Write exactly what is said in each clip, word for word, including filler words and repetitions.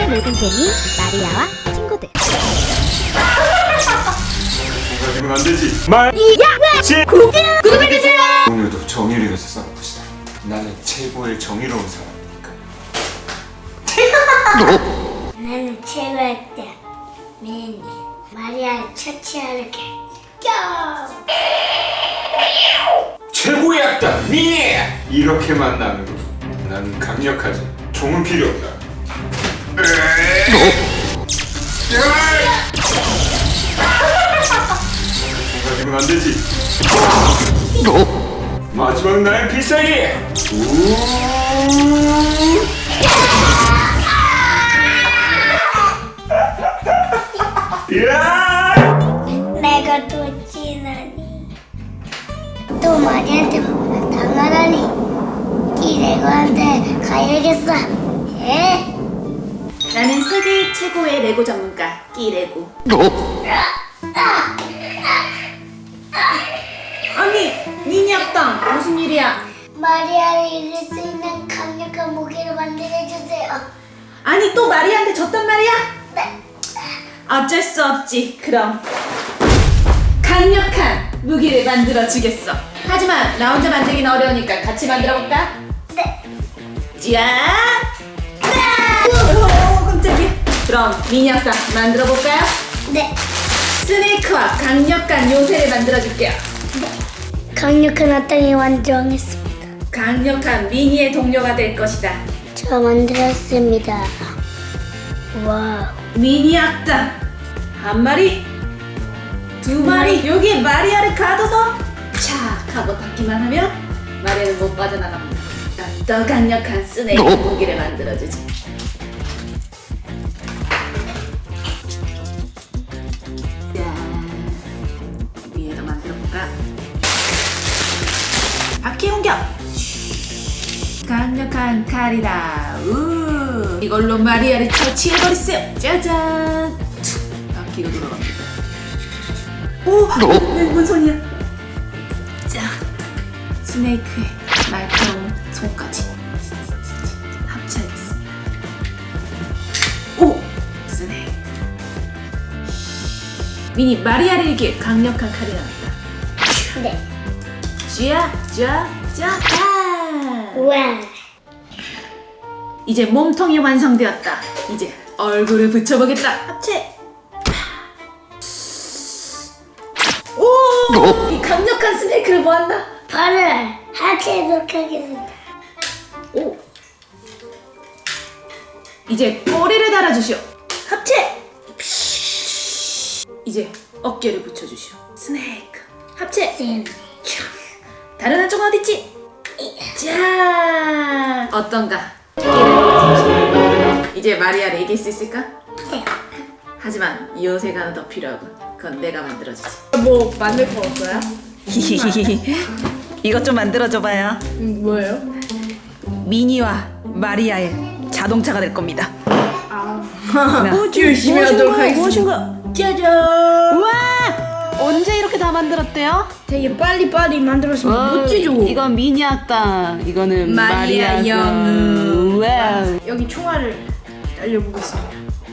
세상의 모든 재미 마리아와 친구들. 가지고는 안 되지. 말. 야! 지. 구독! 구독해주세요! 오늘도 정의를 위해서 싸워봅시다. 나는 최고의 정의로운 사람이니까. 나는 최고의 때 미니 마리아를 처치하러 가. 최고의 악당 미니. 이렇게 만나면 난 강력하지. 종은 필요 없다. 가지고는 안 되지. 마지막 나의 필살기. 야! 내가 또 지나니 또 마리아한테 당하다니 기레고한테 가야겠어. 에? 나는 세계 최고의 레고 전문가 끼레고. 아니, 니니 악당 무슨 일이야? 마리아를 이길 수 있는 강력한 무기를 만들어주세요. 아니 또 마리아한테 졌단 말이야? 네. 어쩔 수 없지. 그럼 강력한 무기를 만들어 주겠어. 하지만 나 혼자 만들긴 어려우니까 같이 만들어 볼까? 네. 자, 오, 깜짝이야. 그럼 미니 악당 만들어 볼까요? 네. 스네이크와 강력한 요새를 만들어 줄게요. 강력한 악당이 완성했습니다. 강력한 미니의 동료가 될 것이다. 저 만들었습니다. 와. 미니 악당 한 마리, 두 마리. 여기에 마리아를 가둬서 착 하고 닫기만 하면 마리아는 못 빠져나갑니다. 더 강력한 스네이크 무기를 만들어주지. 자, 위에도 만들어볼까? 바퀴 공격! 강력한 칼이다. 우, 이걸로 마리아를 처치해버리세요. 짜잔. 툭, 바퀴가 돌아갑니다. 오, 웬, 뭔 소리야? 자, 스네이크의 날카로운 손까지 합쳐야겠습니다. 오, 스네이크. 미니 마리아를 이길 강력한 칼이 나왔다. 네. 쥐야, 쥐야, 쥐야, 아! 와. 이제 몸통이 완성되었다. 이제 얼굴을 붙여보겠다. 합체. 오! 이 강력한 스네이크를 모았나? 발을 하체해도록 하겠습니다. 오. 이제 꼬리를 달아주시오. 합체. 이제 어깨를 붙여주시오. 스네이크. 합체. 쌤. 다른 한쪽은 어딨지? 자, 어떤가? 끼를 이제 마리아를 이길 수 있을까? 네. 하지만 요새가 하나 더 필요하군. 그건 내가 만들어주지. 뭐 만들 거 없어요? 이것 좀 만들어줘봐요. 음, 뭐예요? 미니와 마리아의 자동차가 될 겁니다. 아, 나- 열심히 하도록 하겠습니다. 무엇인가? 짜잔! 우와! 언제 이렇게 다 만들었대요? 되게 빨리빨리 만들었으면 멋지죠? 이건 미니 악당, 이거는 마리아 마리아 영웅. 와우. 여기 총알을 날려보겠습니다.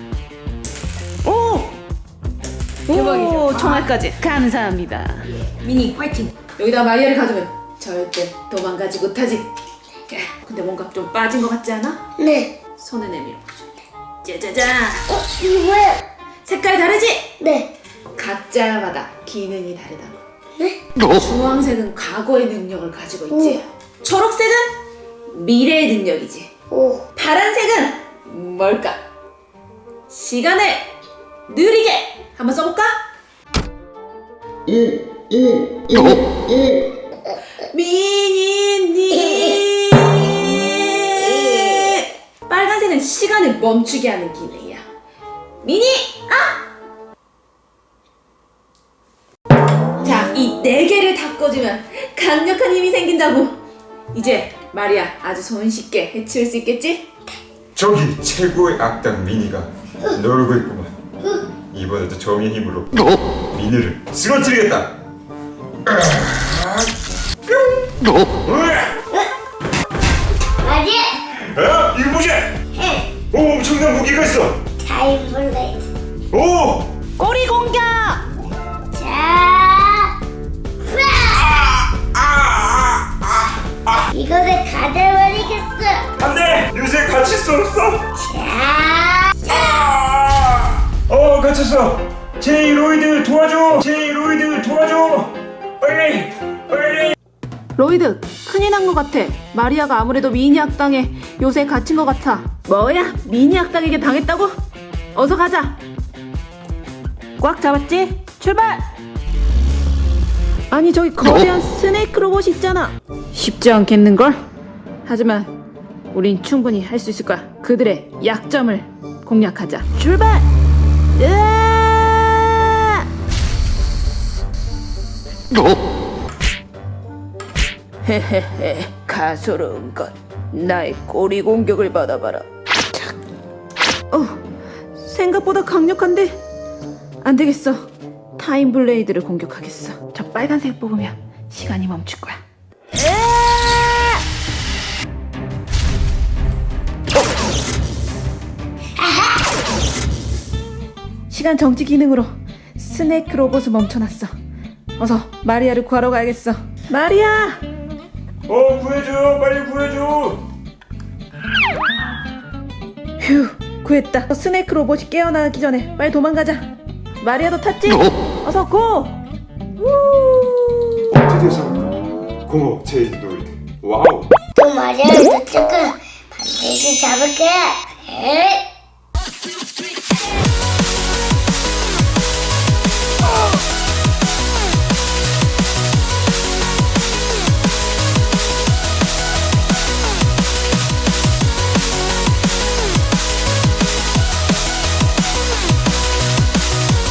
오! 대박이죠? 오, 총알까지. 감사합니다. 미니 화이팅! 여기다 마리아를 가두면 절대 도망가지 못하지. 근데 뭔가 좀 빠진 것 같지 않아? 네. 손을 내밀어 보자. 짜자잔. 어, 이거 뭐야? 색깔이 다르지? 네. 각자마다 기능이 다르다고. 네? 주황색은 과거의 능력을 가지고 있지. 초록색은 미래의 능력이지. 오. 파란색은 뭘까? 시간을 느리게 한번 써볼까? 미니니. 빨간색은 시간을 멈추게 하는 기능이야. 미니, 아! 자, 이 네 개를 다 꽂으면 강력한 힘이 생긴다고. 이제 마리아 아주 손쉽게 해치울 수 있겠지? 저기 최고의 악당 미니가 놀고 있구만. 이번에도 정의 힘으로 미니를 쓰러뜨리겠다. 뿅! 마리아. 어? 이거 뭐지? 오! 오, 엄청난 무기가 있어. 타임블레이드. 오, 꼬리 공격! 자, 이것을 가져버리겠어. 안돼. 요새 갇힐 수 없어. 자, 어, 갇혔어. 제이 로이드 도와줘. 제이 로이드 도와줘. 빨리, 빨리. 로이드, 큰일 난 것 같아. 마리아가 아무래도 미니 악당에 요새 갇힌 것 같아. 뭐야? 미니 악당에게 당했다고? 어서 가자. 꽉 잡았지? 출발! 아니 저기 거대한 스네이크 로봇이 있잖아. 쉽지 않겠는걸? 하지만 우린 충분히 할 수 있을 거야. 그들의 약점을 공략하자. 출발! 으아! 헤헤헤, 가소로운 것. 나의 꼬리 공격을 받아봐라. 어, 생각보다 강력한데? 안 되겠어. 타임 블레이드를 공격하겠어. 저 빨간색 뽑으면 시간이 멈출 거야. 시간 정지 기능으로 스네이크 로봇을 멈춰놨어. 어서 마리아를 구하러 가야겠어. 마리아! 어, 구해줘. 빨리 구해줘. 휴, 구했다. 스네이크 로봇이 깨어나기 전에 빨리 도망가자. 마리아도 탔지? 어서 고! 우! 드디어 성공. 고마워, 제이 로이드. 와우. 또 말이야, 이쪽은 반드시 잡을게.